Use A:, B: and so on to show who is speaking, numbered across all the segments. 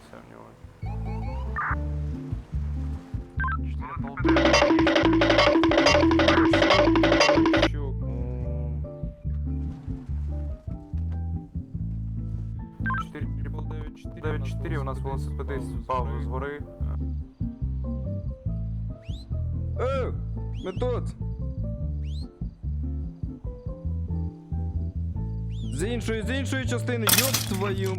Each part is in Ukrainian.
A: все в нього. Щук. 4 у нас велосипедист впав з гори.
B: Ми тут! З іншої частини, ёб твою...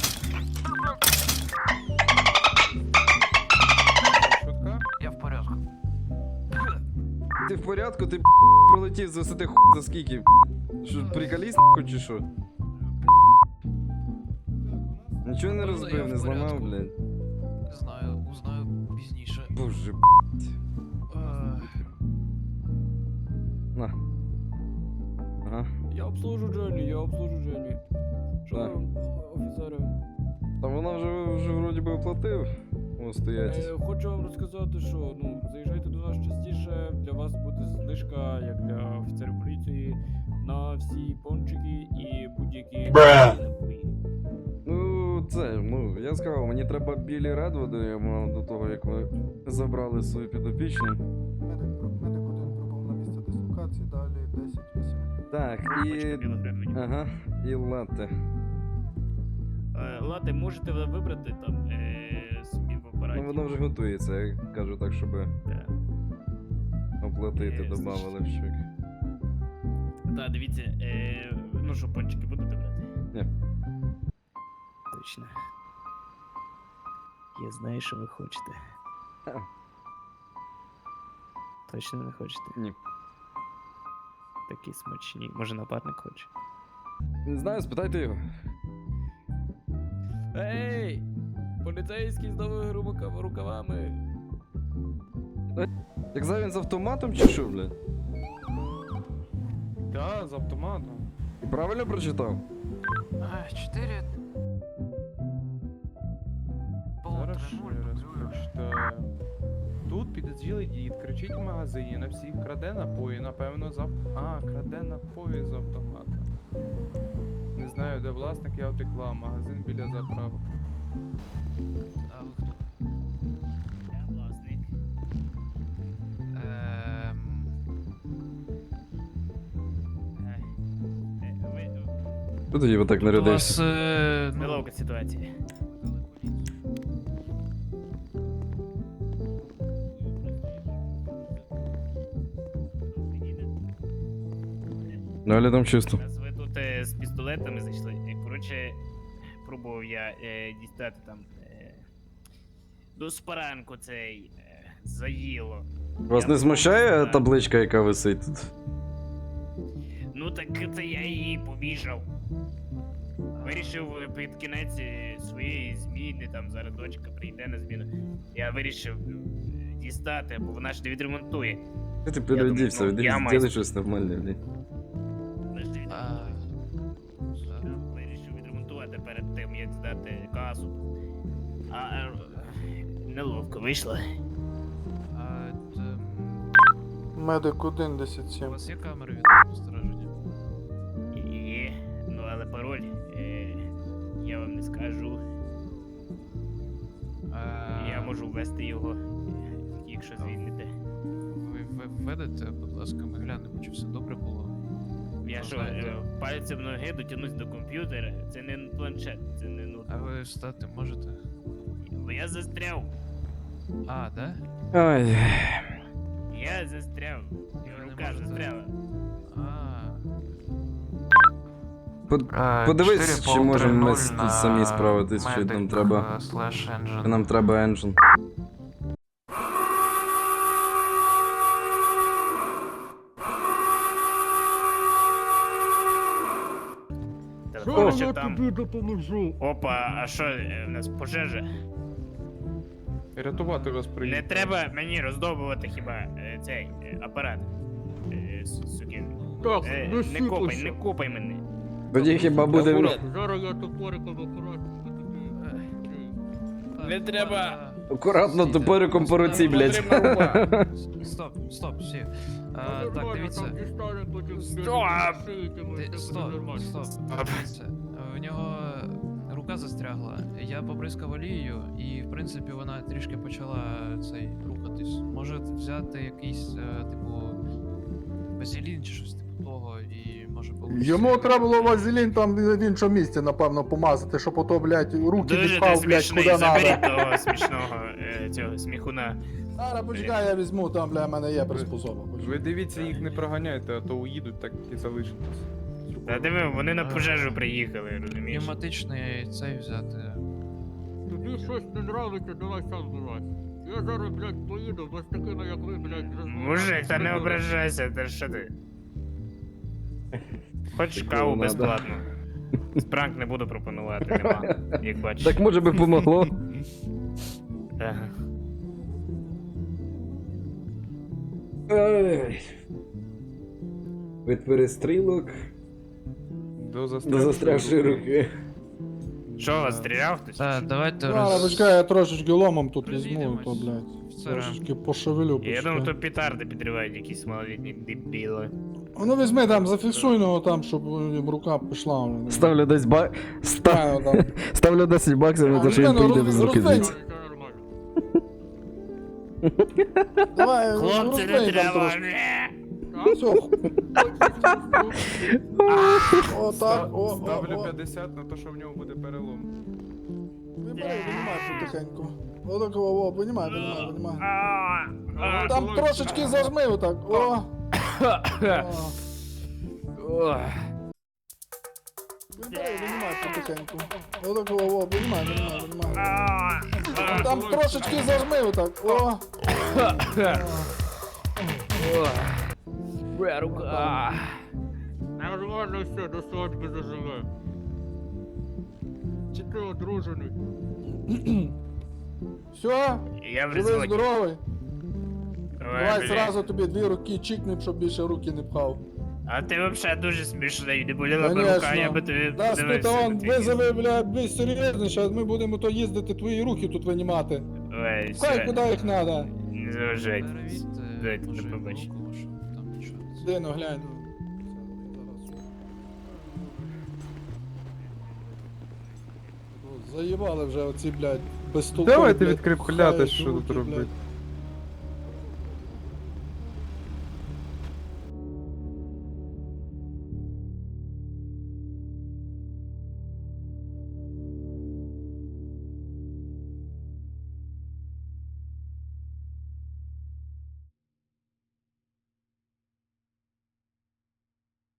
A: Шутка?
C: Я в порядку.
B: Ти в порядку? Ти пролетів з висоти за скільки? Що, приколіст чи що? Нічого не розбив, не зламав, блядь.
C: Не знаю, узнаю пізніше.
B: Боже, на. Ага.
D: Я обслужу Дженні. Що
B: Так.
D: там, офіцери?
B: Та вона вже вроді би оплатив. О, стоять.
D: Хочу вам розказати, що заїжджайте до нас частіше, для вас буде знижка, як для офіцерів поліції, на всі пончики і будь-які напої.
B: Я сказав, мені треба білі Редвуди, я мав до того, як ви забрали свою підопічну.
E: Медик один прибув на місце дислокації, далі 10-8.
B: Так, і... Ага, і латте.
D: Лати, можете ви вибрати там собі в апараті?
B: Ну, воно вже готується, я кажу так, щоб оплатити,
D: Ясно.
B: добавили в щук.
D: Так, дивіться, ну що, пончики будете брати?
B: Ні.
D: Точно. Я знаю, що ви хочете.
B: Ха.
D: Точно не хочете?
B: Ні.
D: Такі смачні. Може, напарник хоче?
B: Не знаю, спитайте його.
D: Ей! Поліцейський з новими рукавами!
B: Як за він з автоматом чи що, блядь?
A: Так, з автоматом.
B: І правильно прочитав?
C: 4.
A: Зараз ще раз прочитаю. Тут підозрілий дід, кричить в магазині, на всіх краде напої, напевно, краде напої з автомата. Не знаю, де власник, я втекла, магазин біля заправок.
C: А ви хто?
D: Я власник.
B: Що тоді отак
C: У вас,
B: нарядився?
D: Неловка ситуація.
B: Далі там чисто.
D: Раз ви тут з пістолетами зайшли. Коротше, пробував я дістати там до спаранку цей заїло.
B: Вас
D: Я
B: не
D: пробував
B: смущає
D: дістати.
B: табличка, яка висить тут?
D: Ну так це я її побіжав. Вирішив під кінець своєї зміни, там зараз дочка прийде на зміну. Я вирішив дістати, бо вона ж не відремонтує.
B: Ти переодівся,
D: думав, я майстер.
B: зроби щось нормальне, блядь.
D: Вона ж не відремонтує. Вирішив відремонтувати перед тим, як здати касу. Неловко вийшло.
E: Медик
C: У
E: 1-10-7.
C: вас є камери від спостереження?
D: Є, ну але пароль я вам не скажу. Я можу ввести його, якщо звільните.
C: Ви введете, будь ласка, ми глянемо, чи все добре було.
D: Я що,
C: Знаєте.
D: пальцем ноги дотягнусь до комп'ютера? Це не планшет, це не
C: А
D: ноутбук.
C: ви встати можете?
D: Бо я застряв.
C: А, да?
B: Ой.
D: Я застряв.
C: Ви не
D: Рука
C: можете.
D: застряла.
B: Подивись, чи можемо ми самі справитись, чи нам треба. Чи нам треба енджин.
D: Телефон, що там.
E: допоможу?
D: Опа, а що, в нас пожежа?
A: Рятувати вас
D: Не
A: приїхав.
D: треба мені роздовбувати хіба цей апарат. Сукін.
E: Так,
D: Не копай мене.
B: Тоді хіба буде...
E: Зараз я топориком акуратно
D: Не треба.
B: Акуратно топориком по руці, блядь.
C: Стоп, всі. Так, дивіться. Стоп! Дивіться. В нього рука рука застрягла. Я побризкав олією, і в принципі вона трішки почала рухатись. Може взяти якийсь, типу, базилін чи щось типу того, і може получиться.
E: Йому треба було вазелін там в іншому місці, напевно, помазати, щоб ото, блядь, руки
D: Дуже
E: відпав,
D: ти
E: блядь,
D: смішний,
E: куди
D: заберіть
E: надо.
D: того смішного цього сміхуна.
E: Зараз почекай, я візьму, там, бля, в мене є приспособа.
A: Ви дивіться, їх не проганяйте, а то уїдуть, так і залишитесь.
D: Та диви, вони на пожежу приїхали, розумієш?
C: Пневматичний цей взяти.
F: Тобі щось не нравиться, давай сам вилазь. Я зараз, блядь, поїду, без такими, як ви, блядь,
D: Мужик, та не ображайся, та що ти? Хочеш
B: Такого
D: каву
B: надо.
D: безплатно? Спранк не буду пропонувати, нема, як бачиш.
B: Так може би помогло.
D: Ага.
B: Ай. Від перестрілок
A: До
B: до застрягшої руки.
D: Що, вас стріляв хтось?
C: Так, давайте
E: Зараз почекай, я трошечки ломом тут візьму,
C: Розійдемось.
E: то, блядь.
C: Офіцера.
E: Трошечки пошевелю,
D: Я думав,
E: почекай.
D: то петарди підривають якісь малолітні дебіли.
E: Ну візьми там, зафіксуй його там, щоб рука пішла.
B: Ставлю десь
E: Правильно, там.
B: Ставлю 10 баксів на те, що він
E: Розміну,
B: поїде без руки
E: роздень.
B: звідси.
F: Це нормально.
E: Давай,
D: Хлопці, не
E: розбий там
D: треба!
E: трошки.
F: Так?
E: Все, о, так, о,
A: Ставлю
E: о.
A: 50 на те, що в нього буде перелом.
E: Вибирай, винімай потихеньку. Отак, о, винімай, винімай.
F: Давай,
E: Там
F: давай.
E: трошечки зажми отак, о. Вибирай, винімай потихеньку. Отак, о, винімай. Там трошечки зажми отак, о.
D: Рука.
F: Нормально все, до свадьби заживе. Чи ти одружений?
E: Все,
D: Я в
E: живий,
D: резоні.
E: здоровий.
D: Ой,
E: Давай
D: блядь.
E: зразу тобі 2 руки чікнем, щоб більше руки не пхав.
D: А ти вообще дуже смішний, не боліла б
E: Конечно.
D: рука, я би тобі
E: Да,
D: подивився.
E: спитав,
D: на твій
E: визови, бля, більш серйозніше, а ми будемо то їздити, твої руки тут винімати.
D: кіт. Ой,
E: Хай
D: все.
E: куди їх надо.
D: Не заважайте.
C: Перевірте,
D: Дайте,
C: може,
D: до побачення.
C: руку, щоб там нічого.
E: Дину, глянь. Заїбали вже оці, блядь, безтолкові,
A: Давайте
E: блядь,
A: відкріпляти,
E: пхають
A: що тут
E: руки,
A: робити.
E: блядь.